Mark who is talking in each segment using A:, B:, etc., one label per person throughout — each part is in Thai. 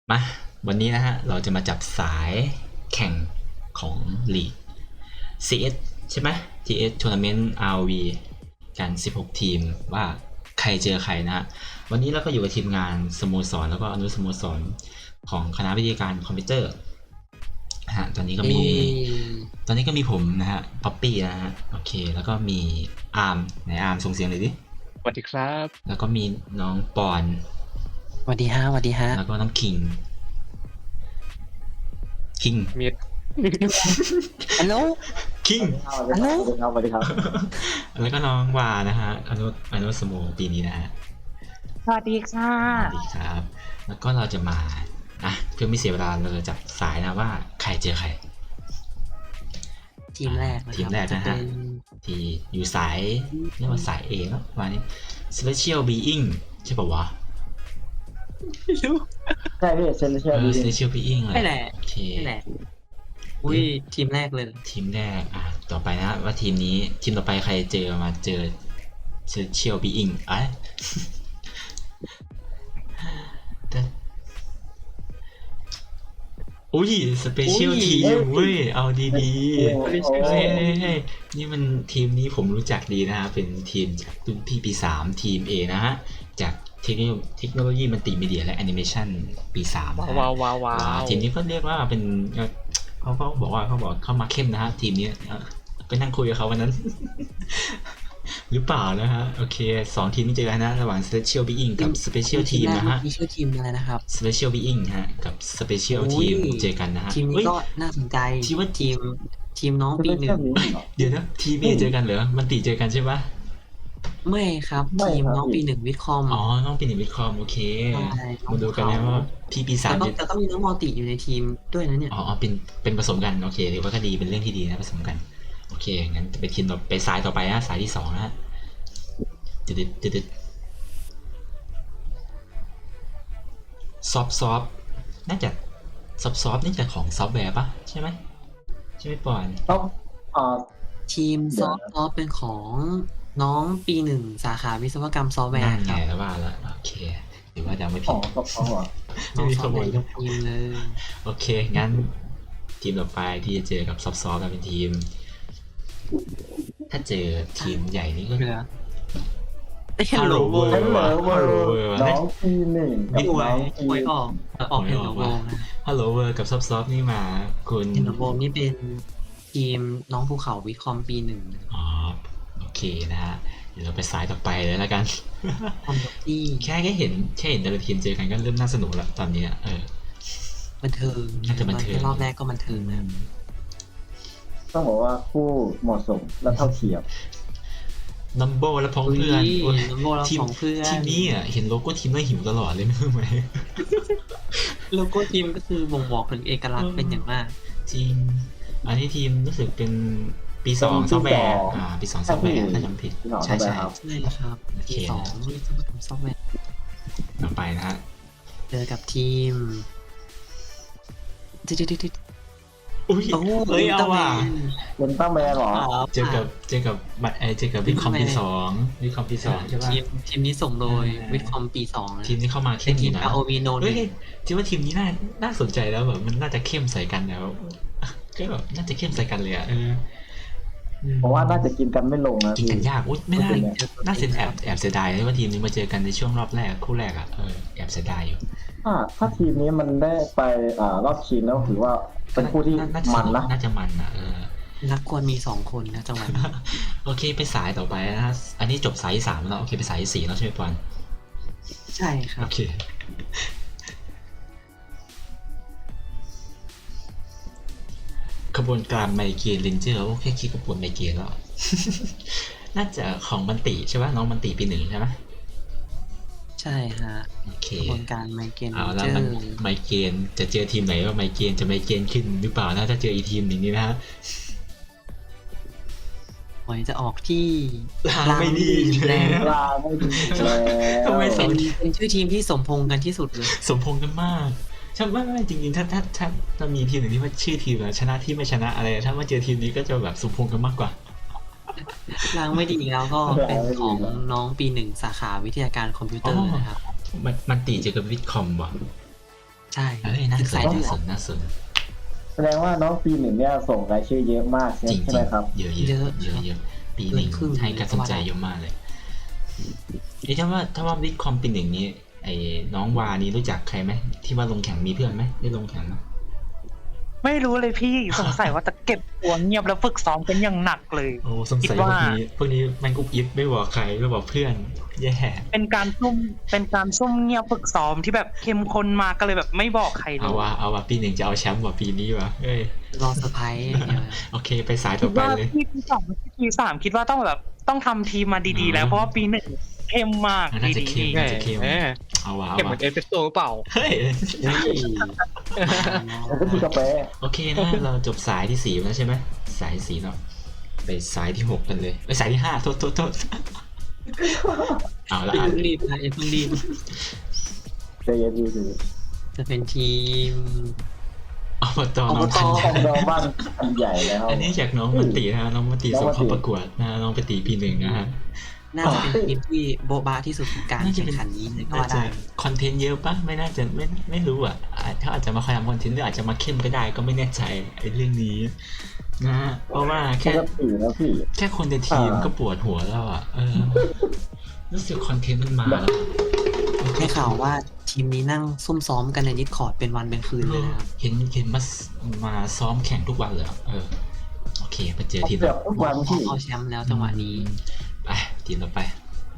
A: มาวันนี้นะฮะเราจะมาจับสายแข่งของลีก CS ใช่ไหม TS Tournament RV กัน16ทีมว่าใครเจอใครนะฮะวันนี้เราก็อยู่กับทีมงานสโมสรแล้วก็อนุสโมสรของคณะวิทยาการคอมพิวเตอร์นะฮะตอนนี้ก็มีผมนะฮะป๊อปปี้นะฮะโอเคแล้วก็มีอาร์มไหนอาร์มส่งเสียงเลยดิ
B: สวัสดีครับ
A: แล้วก็มีน้องปอน
C: สวัสดีฮะสวัสดีฮะ
A: แล้วก็น้องคิง
B: มี
C: ฮัลโหล
A: คิง
C: ฮัลโหล
D: สวัสดีครับ
A: แล้วก็น้องวานะฮะอนุสโมปีนี้นะฮะ
E: สวัสดีค่ะ
A: สวัสดีครับ แล้วก็เราจะมาเพื่อไม่เสียเวลาเราจะจับสายนะว่าใครเจอใคร
C: ทีมแรกนะครับ
A: ทีมแรกนะฮะ ที่อยู่สายเรียกว่าสายเอเนาะวันนี้ Special Being ใช่ป่าวะ
D: ใช่พี่เซนเชียลดี
A: Special Being เลย
C: ไม่แหละ
A: โอเค
C: ไม่แหละอุ้ยทีมแรกเลย
A: ทีมแรกต่อไปนะว่าทีมนี้ทีมต่อไปใครเจอมาเจอ Special Being แต่อุ้ยสเปเชียลทีมเว้ยเอาดีๆเฮ้ยนี่มันทีมนี้ผมรู้จักดีนะฮะเป็นทีมจากรุ่นพี่ปี3ทีม A นะฮะจากเทคโนโลยีมัลติมีเดียและแอนิเมชันปี3นะฮะ
B: ว้าว
A: ทีมนี้ก็เรียกว่าเป็นเขาบอกเข้ามาเข้มนะฮะทีมนี้ไปนั่งคุยกับเขาวันนั้น หรือเปล่านะฮะโอเค2ทีมนี้เจอกันนะระหว่าง Special Being กับ Special Team นะฮะ
C: มีชื่อทีมอะไรนะครับ
A: Special Being ฮะกับ Special
C: อุ้ย
A: Team เจอกันนะฮะ
C: ทีมนี้
A: เฮ้ย
C: ก็น่าสนใจ
A: ที่ว่า
C: ทีมน้องปีหนึ่ง
A: เดี๋ยวนะทีมเอเจอกันเหรอมันตีเจอกันใช่ปะ
C: ไม่ครับ
D: ไม่
C: ทีม
D: ครับ
C: น้องปีหนึ่งวิทคอม
A: อ๋อน้องปีหนึ่งวิทคอมโอเค
C: ใช่น้อง
A: มาดูกันนะว่าพี่ปีสาม
C: แต่ก็มีน้องมัลติอยู่ในทีมด้วยนะเนี่ย
A: อ๋อเป็นผสมกันโอเคถือว่าก็ดีเป็นเรื่องที่ดีนะผสมกันโอเคงั้นไปทีมต่อไปสายต่อไปนะสายที่2นะฮะตึดซอฟน่าจะซอฟนี่จะของซอฟต์แวร์ปะใช่ไหมปอน
D: ต้องอ่า
C: ทีม
D: เดี๋
C: ซ
D: ยว
C: อ
D: นะ
C: ฟต์เป็นของน้องปีหนึ่งสาขาวิศวกรรมซอฟต์แวร์
A: นั่น
C: ค
A: ไง
C: รับ
A: แล้วว่าแล้วโอเคหรือว่าจะไม่
D: ข
A: ผิ
D: อ
A: ด
D: งกับเขาอ่ะ
C: น้อง
A: ไม่มี
C: ซ
A: ข
C: อฟต์
A: โม
C: แวย ร์ยกทีมเลย
A: โอเคงั้นทีมต่อไปที่จะเจอกับซอฟกันเป็นทีม ถ้าเจอทีมใหญ่นี่ก็
C: เหลือเอ้ย
A: ฮัลโหลเวอร์
D: ฮัลโหล
A: ฮัลโหลเวอร์
D: น้องปีหนึ่งกับ
C: หวย
D: น้องปี
C: หวยออกเห็นโลโก้นะ
A: ฮัลโหลเวอร์กับซอฟนี่มาคุณ
C: เห็นโลโก้นี่เป็นทีมน้องภูเขาวิทคอมปีหนึ่ง
A: อ๋อโอเคนะฮะเดี๋ยวเราไปสายต่อไปเลยแล้วกัน
C: คอมที่
A: แค่เห็นแต่ละทีมเจอกันก็เริ่มน่าสนุกแล้วตอนนี้
C: บันเทิง
A: น่าจะบันเทิง
C: รอบแรกก็บันเทิงนะ
D: ต้องบอกว่าคู่เหมาะสมและเท่าเทียม
A: นัมโบและพ้องเพื่อนโอ้ย
C: น้ำโบเรา
A: ทีม
C: ของเพื่อน
A: ทีมนี้เห็นโลโก้ทีมแล้วหิวตลอดเลยไม่รู้ไหม
C: โลโก้ทีมก็คือบ่งบอกถึงเอกลักษณ์เป็นอย่างมาก
A: จริงอันนี้ทีมรู้สึกเป็นปี2ซอฟต์แวร์ปี2ซอฟต์แวร์ถ้าจำไม่ผิด
D: พี่น้อง
A: ใช่
D: เข้าใจครับ
C: ใช่ครับ
A: โอเค
C: ทีสองวิศวกรรมซอฟต์แวร์
A: ต่อไปนะฮะ
C: เจอกับทีมดิด
A: อุ้ย
C: โอ้
A: เฮ้ยเอาว่ะ
D: เป็นตั้งแมนเหรอ
A: เจอกับบัตรเจอกับวิคอมปี2วิคอมปี2ใช่ป่ะ
C: ทีมนี้ส่งโดยวิทคอมปีสองนะ
A: ทีมที่เข้ามา
C: เป็
A: เข้
C: น
A: มอ
C: ทีม
A: ยู่นะ
C: ROV โนน
A: เฮ้ยคิดว่าทีมนี้น่าสนใจแล้วแบบมันน่าจะเข้มใส่กันแล้วก็แบบน่าจะเข้มใส่กันเลย
D: เพราะว่าน่าจะกินกันไม่ลงนะ
A: กิน
D: พี่
A: กันยากอุ้ยไม่ได้น่าเสียแอบเสียดายเลยว่าทีมนี้มาเจอกันในช่วงรอบแรกคู่แรกแอบเสียดายอยู่
D: ถ้าทีมนี้มันได้ไปรอบชิงแล้วถือว่าเป็นคู่ที่มันนะ
A: น่าจะมันนะ
C: นักควรมีสองคนนะจังหวะนี้
A: โอเคไปสายต่อไปนะอันนี้จบสายที่3แล้วโอเคไปสายที่4แล้วใช่ไหมปอน
C: ใช่ครั
A: โอบ เคขบวนการไมเกรนเรนเจอร์โอเคคิดขบวนไมเกรนแล้ว น่าจะของมันติใช่ป่ะน้องมันติปี1ใช่ไหม
C: ใช่ฮะ
A: โอเค
C: กระบวนการไมเกรน
A: เอา
C: เจ
A: แล้ว
C: อ
A: มัน
C: ร์
A: ไมเกรนจะเจอทีมไหนว่าไมเกรนจะไมเกรนขึ้นหรือเปล่านะถ้าเจออีทีมอย่างนี้นะฮะ
C: หวยจะออกที่
A: ลางไม่ดี
C: อีกแล้ว
D: ลาไม่ดีแล้ว
A: ทำไมส
C: เป็นชื่อทีมที่สมพงษ์กันที่สุดเลย
A: สมพงษ์กันมากใช่ไม่จริงๆถ้ามีทีมหนึ่งที่ว่าชื่อทีมชนะที่ไม่ชนะอะไรถ้ามาเจอทีมนี้ก็จะแบบสมพงษ์กันมากกว่า
C: ล้างไม่ดีแล้วก็เป็นของน้องปีหนึ่งสาขาวิทยาการคอมพิวเตอร์นะครับ
A: มันตีเจอกับวิทคอมว่ะ
C: ใช่
A: เฮ้ยน่า
C: ศึก
A: ส
C: สาน ยเลื
A: น่า
C: อด
A: สนน่าสน
D: แสดงว่าน้องปีหนึ่งเนี่ยส่งรายชื่อเยอะมาก
A: จริง
D: ใช่ไหมครับ
A: เยอะเยอะเยอะเยอะปีหนึ่งให้การสนใจเยอะมากเลยเอ๊ะถ้าว่าวิทคอมปีหนึ่งนี้ไอ้น้องวานี่รู้จักใครไหมที่ว่าลงแข่งมีเพื่อนไหมได้ลงแข่งไหม
E: ไม่รู้เลยพี่สงสัยว่าจะเก็บตัวเงียบแล้วฝึกซ้อมกันอย่างหนักเลย
A: โอ้สงสัย
E: คิดว่า
A: พวกนี้แม่งกุ๊กยิบไม่บอกใครไม่บอกเพื่อนแย่
E: เป็นการซุ่มเงียบฝึกซ้อมที่แบบเข้มข้นมากก็เลยแบบไม่บอกใครเล
A: เอา
E: ย
A: วะปีหนึ่งจะเอาแชมป์ว่ะปีนี้วะเอ้ย
C: รอเซอร์ไพรส์อย่างเดียว
A: โอเคไปสาย
E: คิ
A: ต่อ
E: ด
A: ไป
E: ว่า
A: เลย
E: ปีสองปีสามคิดว่าต้องทำทีมมาดีๆ แล้วเพราะว่าปีหนึ่งเข้มมาก
A: น่าจะ
E: ดี
A: เข้ม
E: ๆ
A: น่าจะเข้ม
B: แหม
A: เอาวะ
B: เก็บเหมือนเอสเปรสโซ่หรือเปล่า
A: เฮ้ย
D: แล้วก็มีกาแฟ
A: โอเคนะเราจบสายที่4แล้วใช่ไหมสาย4เนาะไปสายที่6กันเลยไปสายที่5โทษเอาละ
C: อย่า
A: อ่ะ
C: เพิ่งรีบนะอย่าเพิ่งรีบ
D: ใจเย็นดีสิ
C: จะเป็นทีม
A: อบตน้อง
C: อบต
A: พัน
D: ของเราบ้านอันใหญ่แล้ว
A: อันนี้จากน้องมันตีนะน้องมันตีส่งเข้าประกวดนะน้องไปตีปีหนึ่งนะฮะ
C: น่าจะเป็นทีมที่โบ๊ะบาที่สุดของการ
A: น่าจะ
C: แข่ง
A: เป็น
C: ขันนี้เลยก็
A: น่า
C: ว่า
A: จะ
C: ได้
A: คอนเทนต์เยอะปะไม่น่าจะไม่รู้อ่ะเขาอาจจะมาคอยทำคอนเทนต์หรืออาจจะมาเข้มก็ได้ก็ไม่แน่ใจไอ้เรื่องนี้นะฮะเพราะว่า
D: ป
A: แค่
D: กตินะพี่
A: แค่คนในทีมก็ปวดหัวแล้วอ่ะรู้สึกคอนเทนต์มันมาแล้ว
C: ให้ข่าวว่าทีมนี้นั่งซุ่มซ้อมกันในดิสคอร์ดเป็นวันเป็นคืนเลยนะครับ
A: เห็นมาซ้อมแข่งทุกวันเลยอะโอเคไปเจอทีม
D: เกือบทุกวันพี่
C: เอาแชมป์แล้วจังหวะนี้
A: ไปทีมต่อไป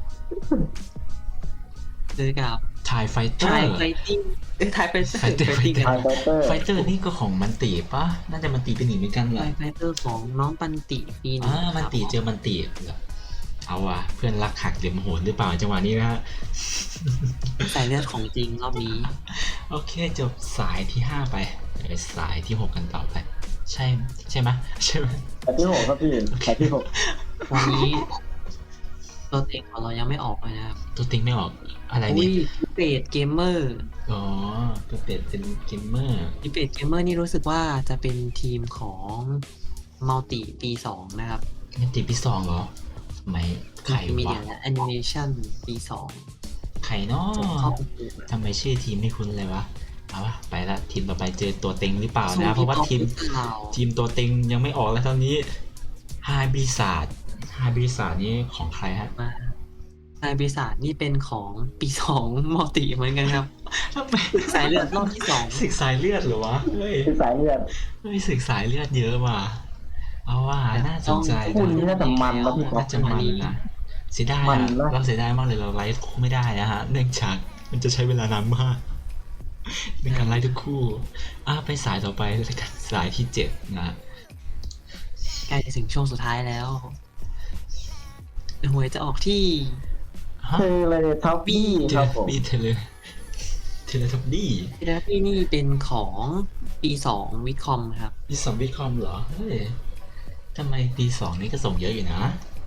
C: เจอกับ
A: ไทยไฟเตอ
C: ไทย
A: ร์
C: ไฟติ้งไทยไฟเตอร์
A: Fighter
C: ไฟติ้ง
D: ไทยไฟเตอร์
A: ไฟเตอร์นี่ก็ของมันตีปะน่าจะมันตีเป็นหนึ่งเหมือนกันเหร
C: ไท
A: อย
C: ไฟเตอร์ของน้องปันติปีหนึง
A: มันตีเจอมันตีเหรอเอาว่ะเพื่อนรักหักเหลี่ยมโหดหรือเปล่าจังหวะนี้นะฮะ
C: สายเลือดของจริงรอบนี้
A: โอเคจบสายที่5ไปไปสายที่6กันต่อไป ใช่ไหมใช่ไหม
D: แต่ที่หกครับพี่แต่ที่หก
C: วันนี้ตัวเต็งของเรายังไม่ออกเลยนะครับ
A: ตัวติงไม่ออกอะไร
C: อุ้
A: นี่
C: ยดิเปตเกมเมอร์
A: อ๋อตัวเป็ดเป็นเกมเมอร์
C: ดิเปตเกมเมอร์นี่รู้สึกว่าจะเป็นทีมของมัลติปี2นะครับ
A: มันตีปี2เหรอไม่ใคร
C: มี
A: วะ
C: เดียและแอนิเมชันปี2
A: ใครเนาะ
C: เข้าประกวด
A: ทำไมชื่อทีมไม่คุ้นเลยวะเอาวะไปละทีมต่อไปเจอตัวเต็งหรือเปล่านะเพราะว่าทีมตัวเต็งยังไม่ออกแล้วตอนนี้ไฮบริษัทนี่ของใครฮะ
C: มาไายบริษัทนี่เป็นของปี2มัลติเหมือนกันครับ
A: ทำไม
C: สายเลือดรอบที่2
A: ศึกสายเลือดเหรอวะเฮ้ย
D: คือสายเลือด
A: ศึกสายเลือดเยอะว่ะเอาว่าน่าสนใจ
D: คู่
A: นะ
D: นี้น่าจะมันนะพี่ก๊อ
A: น่า
D: ฟ
A: จะมันนะเสียดาย
D: มัน
A: อะ
D: นะ
A: เราเสียดายมากเลยเราไลฟ์คู่ไม่ได้นะฮะเนื่องจากมันจะใช้เวลานานมากในการไลฟ์ทุกคู่ไปสายต่อไปเลยกันสายที่7นะ
C: ใกล้จะถึงช่วงสุดท้ายแล้วหวยจะออกที่
A: ฮะ
D: เทเลทับบี้ครับผม
A: มีเทเลทับดี้
C: ทีแรกที่นี่เป็นของปี2วิคอมครับ
A: มีสองวิคอมเหรอเฮ้ยทำไมปี2นี่ก็ส่งเยอะอยู่นะ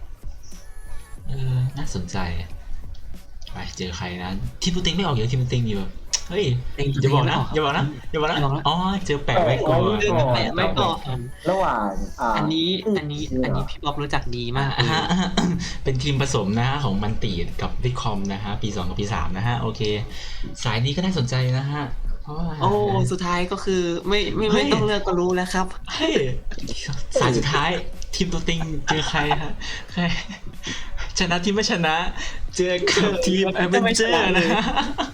A: น่าสนใจไปเจอใครนะทีมตัวเต็งไม่ออกเยอะทีมตัวเต็งอยู่แบบเฮ้ยอย่าบอกนะอ๋อเจอแปะไว้ก่อน
C: แปะไม่ก่อน
D: ระหว่าง
C: อันนี้พี่บ๊อบรู้จักดีมากเลย
A: ฮะเป็นทีมผสมนะฮะของมันตีกับวิคอมนะฮะปี2กับปี3นะฮะโอเค สายนี้ก็น่าสนใจนะฮะเพราะว่า
C: โอ้สุดท้ายก็คือไม่ต้องเลือกก็รู้แล้วครับ
A: เฮ้ยสายสุดท้ายทีมตัวติงเจอใครฮะใครชนะทีมไม่ชนะ เจอกับทีมแอดเวนเจอร์นะฮะ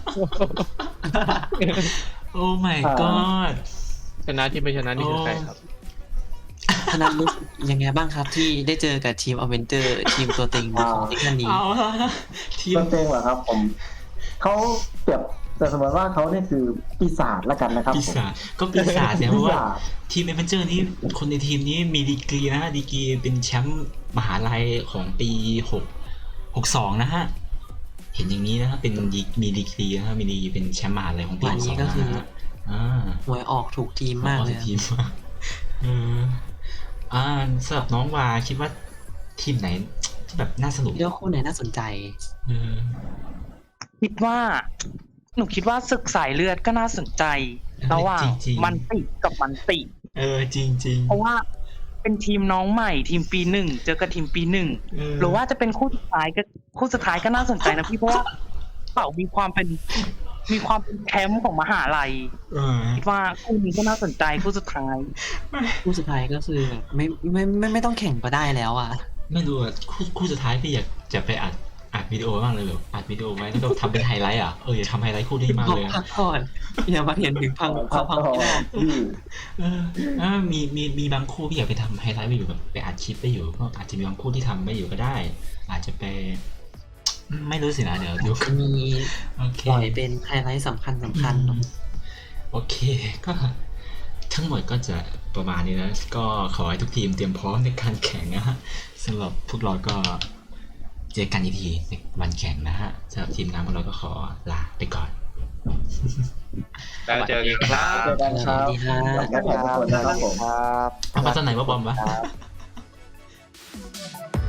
A: โอ้ my god
B: ชนะที่ไม่ชนะนี่คือใครครับ
C: ธนัทรู้สึกยังไงบ้างครับที่ได้เจอกับทีมอเวนเจอร์ทีมตัวเต็งของทีมนี้
A: เอาละทีม
D: ต้นเต้งเหรอครับผมเขาเปรียบแต่สมมติว่าเขาเนี่ยคือปีศาจละกันนะครับ
A: ปี
D: ผม
A: ศาจก็ปีศาจเนี่ยเพราะว่า
D: ปีศาจ
A: ทีมแอดเวนเจอร์นี้คนในทีมนี้มีดีกรีนะฮะดีกรีเป็นแชมป์มหาลัยของปี62นะฮะเห็นอย่างนี้นะฮะเป็นมีดีกรีนะฮะมีดีกรีเป็นแชมป์มหาลัยของปี
C: วันนี้
A: 62
C: ก็คือ
A: นะฮะ
C: หวยออกถูกทีมมากเลย
A: ทีมมากสำหรับน้องวาคิดว่าทีมไหนที่แบบน่าสนุก
C: เลือกคู่ไหนน่าสนใจ
A: เออ
E: หนูคิดว่าศึกสายเลือดก็น่าสนใจระหว่าง
A: จริงๆ
E: มันติกับมันติ
A: จริง
E: เพราะว่าเป็นทีมน้องใหม่ทีมปี1เจอกับทีมปี1หรือว่าจะเป็นคู่สุดท้ายก็น่าสนใจนะพี่เพราะว่าเป่ามีความเป็นมีความเป็นแคมป์ของมหาลัยคิดว่าคู่นี้ก็น่าสนใจคู่สุดท้าย
C: คู่สุดท้ายก็คือแบบไม่ต้องแข่งก็ได้แล้วอ่ะ
A: ไม่รู้อ่ะคู่สุดท้ายพี่อยากจะไปอัดวิดีโอบ้างเลยแบบอัดวิดีโอไว้แล้วก็ทำเป็นไฮไลท์อ่ะอย่าทำไฮไลท์คู่นี้มากเลยอะ
C: พักก่อนอย่ามาเห็นถึงพังไม่ได้
A: มีบางคู่พี่อยากไปทำไฮไลท์ไปอยู่แบบไปอัดคลิปไปอยู่ก็อาจจะมีบางคู่ที่ทำไม่อยู่ก็ได้ อาจจะไปไม่รู้สินะเดี๋ยวดู
C: จะมี
A: โอเค
C: ปล่อยเป็นไฮไลท์สำคัญเนอะ
A: โอเคก็ทั้งหมดก็จะประมาณนี้นะก็ขอให้ทุกทีมเตรียมพร้อมในการแข่งนะฮะสำหรับพวกเราก็เจอกันอีกทีในวันแข่งนะฮะสำหรับทีมงานพวกเราก็ขอลาไปก่อน
B: แล้วเจอกันครับ
D: เจอกันครับ
C: สวัสดีฮะ
D: ขอบคุณทุกคนนะครับผม
A: เอามาตอนไหนว่าบอมวะ